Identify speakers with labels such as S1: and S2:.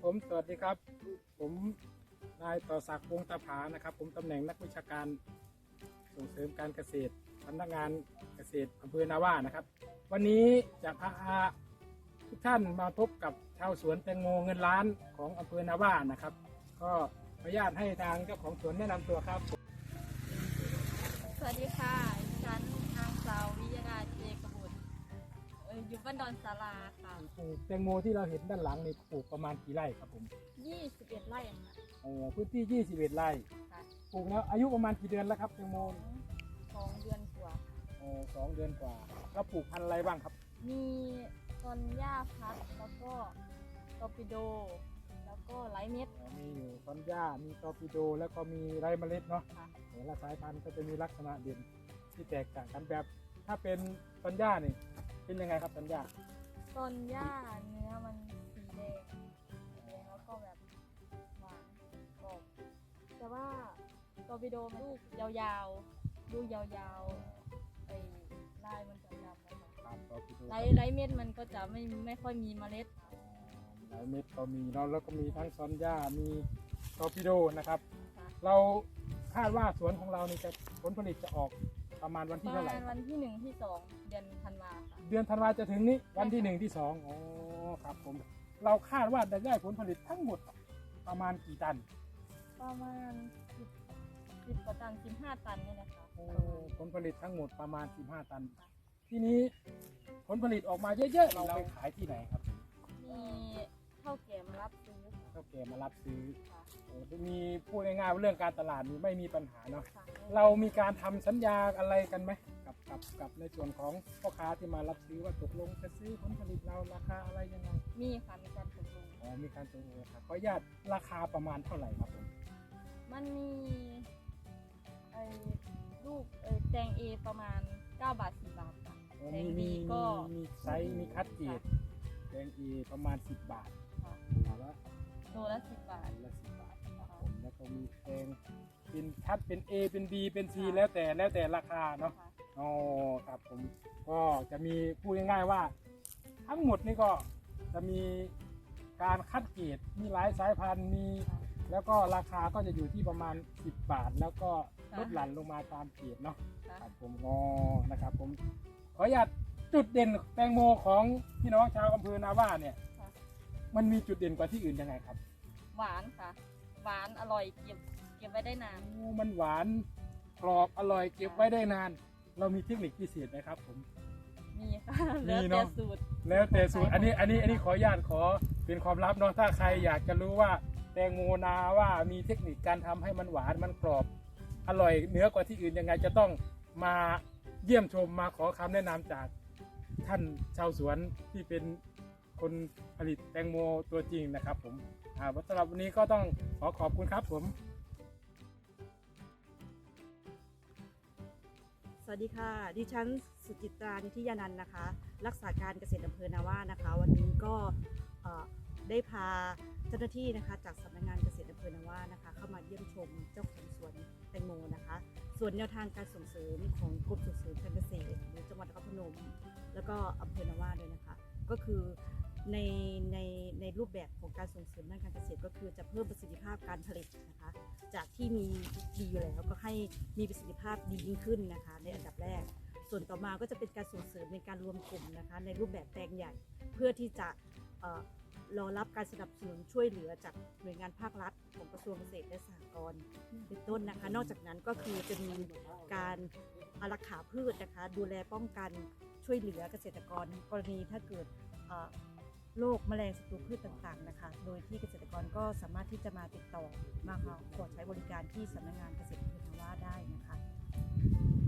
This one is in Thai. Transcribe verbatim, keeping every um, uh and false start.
S1: ผมสวัสดีครับผมนายต่อศักดิ์วงศ์ตาผานะครับผมตำแหน่งนักวิชาการส่งเสริมการเกษตรสำนักงานเกษตรอำเภอนาว่านะครับวันนี้จะพาทุกท่านมาพบกับชาวสวนแตงโมเงินล้านของอำเภอนาว่านะครับก็ขออนุญาตให้ทางเจ้าของสวนแนะนำตัวครับ
S2: สวัสดีค่ะดิฉันนางสาววิยดาเจกบุตรเอ่ออยู่บ้านดอนสาราค่ะ
S1: ปลูกแตงโมที่เราเห็นด้านหลังนี่ปลูกประมาณกี่ไร่ครับผม
S2: ยี่สิบเอ็ดไร่ค่ะ
S1: โอ้พื้นที่ยี่สิบเอ็ดไร่
S2: ค่ะ
S1: ปลูกแล้วอายุประมาณกี่เดือนแล้วครับแตงโม
S2: สองเดือนกว่า
S1: โอ้สองเดือนกว่าแล้วปลูกพันธุ์อะไรบ้างครับ
S2: มีต้นหญ้าพัดแล้วก็ตอร์ปิโด แล้วก็ไลท์เม็ด
S1: มีอยู่ซอนย่ามีตอร์ปิโดแล้วก็มีไรเมล็ดเนาะ
S2: ค่ะ
S1: แต่ละสายพันธุ์ก็จะมีลักษณะเด่นที่แตกต่างกันแบบถ้าเป็นซอนย่านี่เป็นยังไงครับซอนย่า
S2: ต้นหญ้าเนื้อมันสีแดงสีแดงแล้วก็แบบหวานกรอบแต่ว่าตอร์ปิโดมันลูกยาวๆลูกยาวๆไอ้ลายมันจะดำนะคะ
S1: ครับตอร์ปิโด
S2: ไลท์ไลท์เม็ดมันก็จะไม่ไม่ค่อยมีเมล็ด
S1: ไรเม็ดก็มีเนาะแล้วก็มีทั้งซอนย่ามีตอร์ปิโดนะครับ
S2: ค่ะ
S1: เราคาดว่าสวนของเรานี่จะผลผลิตจะออกประมาณวัน
S2: ป
S1: ที่
S2: ระ
S1: เท่าไห
S2: มา
S1: ร่
S2: ณวันที่หนึ่งที่สองเดือนธันวาค่ะ
S1: เดือนธันวาจะถึงนี้วันที่หนึ่งที่สองอ๋อครับผมเราคาดว่าจะได้ผลผลิตทั้งหมดประมาณกี่ตัน
S2: ประมาณสิบสิบกว่าตันสิบห้าตันนี่แหละค่ะ
S1: โอ้ผลผลิตทั้งหมดประมาณสิบห้าตัน ทีนี้ผลผลิตออกมาเยอะๆเราไปขายที่ไหนครับ
S2: มีเท่าแก่มารับซื้อ
S1: เท่าแก่มารับซื้อ
S2: ค่ะ
S1: โอ้จะมีพูดง่ายๆว่าเรื่องการตลาดนี่ไม่มีปัญหาเนาะ
S2: ค่ะ
S1: เรามีการทำสัญญาอะไรกันไหมกับกับกับในส่วนของพ่อค้าที่มารับซื้อว่าตกลงจะซื้อผลผลิตเราราคาอะไรยังไง
S2: มีค่ะมีการตกลง
S1: อ๋อมีการตกลงราคาขออนุญาตราคาประมาณเท่าไหร่ครับผม
S2: มันมีไอ้ลูกเอ้แตงเอประมาณเก้าบาทสิบบาทค่ะ
S1: อ๋อ
S2: แต
S1: มี
S2: ง
S1: มี
S2: บีก็
S1: มีมีไซส์มีคัดเกรดแดงเอประมาณสิบบาท
S2: ค่ะ
S1: หรือว่า
S2: โลละสิบบาท
S1: ละสิบบาทครับผมแล้วก็มีแดงเป็นคัดเป็น A เป็น B เป็น C แล้วแต่แล้วแต่ราคาเนาะ
S2: ค่ะ
S1: อ๋อครับผมก็จะมีพูดง่ายๆว่า ทั้งหมดนี่ก็จะมีการคัดเกรดมีหลายสายพันธุ์มี
S2: ค่ะ
S1: แล้วก็ราคาก็จะอยู่ที่ประมาณสิบบาท แล้วก็ลดหลั่นลงมาตามเกรดเนาะ
S2: ค่ะ
S1: ครับผมอ๋อนะครับผมขออนุญาตจุดเด่นแตงโมของพี่น้องชาวอำเภอนาว่าเนี่ย
S2: ค่ะ
S1: มันมีจุดเด่นกว่าที่อื่นยังไงครับ
S2: หวานค่ะ หวานอร่อยเก็บเก็บไว้ได้นาน
S1: โอ้มันหวานกรอบอร่อยเก็บไว้ได้นาน เรามีเทคนิคพิเศษไหมครับผม
S2: มีค่ะ
S1: มี
S2: แล้ว
S1: เน
S2: แต่
S1: อะ
S2: สูตร
S1: แล้วแต่สูตรอันนี้อันนี้อันนี้ขออนุญาตขอเป็นความลับเนาะถ้าใครอยากจะรู้ว่าแตงโมนาว่ามีเทคนิคการทำให้มันหวานมันกรอบอร่อยเหนือกว่าที่อื่นยังไงจะต้องมาเยี่ยมชมมาขอคำแนะนำจากท่านชาวสวนที่เป็นคนผลิตแตงโมตัวจริงนะครับผมอ่าสำหรับวันนี้ก็ต้องขอขอบคุณครับผม
S3: สวัสดีค่ะ ดิฉันสุจิตรานิธิยานันท์นะคะ รักษาการเกษตรอำเภอนาว่านะคะ วันนี้ก็เอ่อได้พาเจ้าหน้าที่นะคะจากสำนักงานเกษตรอำเภอนาว่านะคะ เข้ามาเยี่ยมชมเจ้าของสวนแตงโมนะคะ ส่วนแนวทางการส่งเสริมของกรมส่งเสริมการเกษตรหรือจังหวัดนครพนม แล้วก็อำเภอนาว่าด้วยนะคะ ก็คือในในในรูปแบบของการส่งเสริมด้านการเกษตรก็คือจะเพิ่มประสิทธิภาพการผลิตนะคะ จากที่มีดีอยู่แล้วก็ให้มีประสิทธิภาพดียิ่งขึ้นนะคะในอันดับแรก ส่วนต่อมาก็จะเป็นการส่งเสริมในการรวมกลุ่มนะคะในรูปแบบแปลงใหญ่ เพื่อที่จะเอ่อรอรับการสนับสนุนช่วยเหลือจากหน่วยงานภาครัฐของกระทรวงเกษตรและสหกรณ์เป็นต้นนะคะ นอกจากนั้นก็คือจะมีการอารักขาพืชนะคะดูแลป้องกันช่วยเหลือเกษตรกรกรณีถ้าเกิดเอ่อโรคแมลงศัตรูพืชต่างๆนะคะ โดยที่เกษตรกรก็สามารถที่จะมาติดต่อมาขอใช้บริการที่สำนักงานเกษตรอำเภอนาว่าได้นะคะ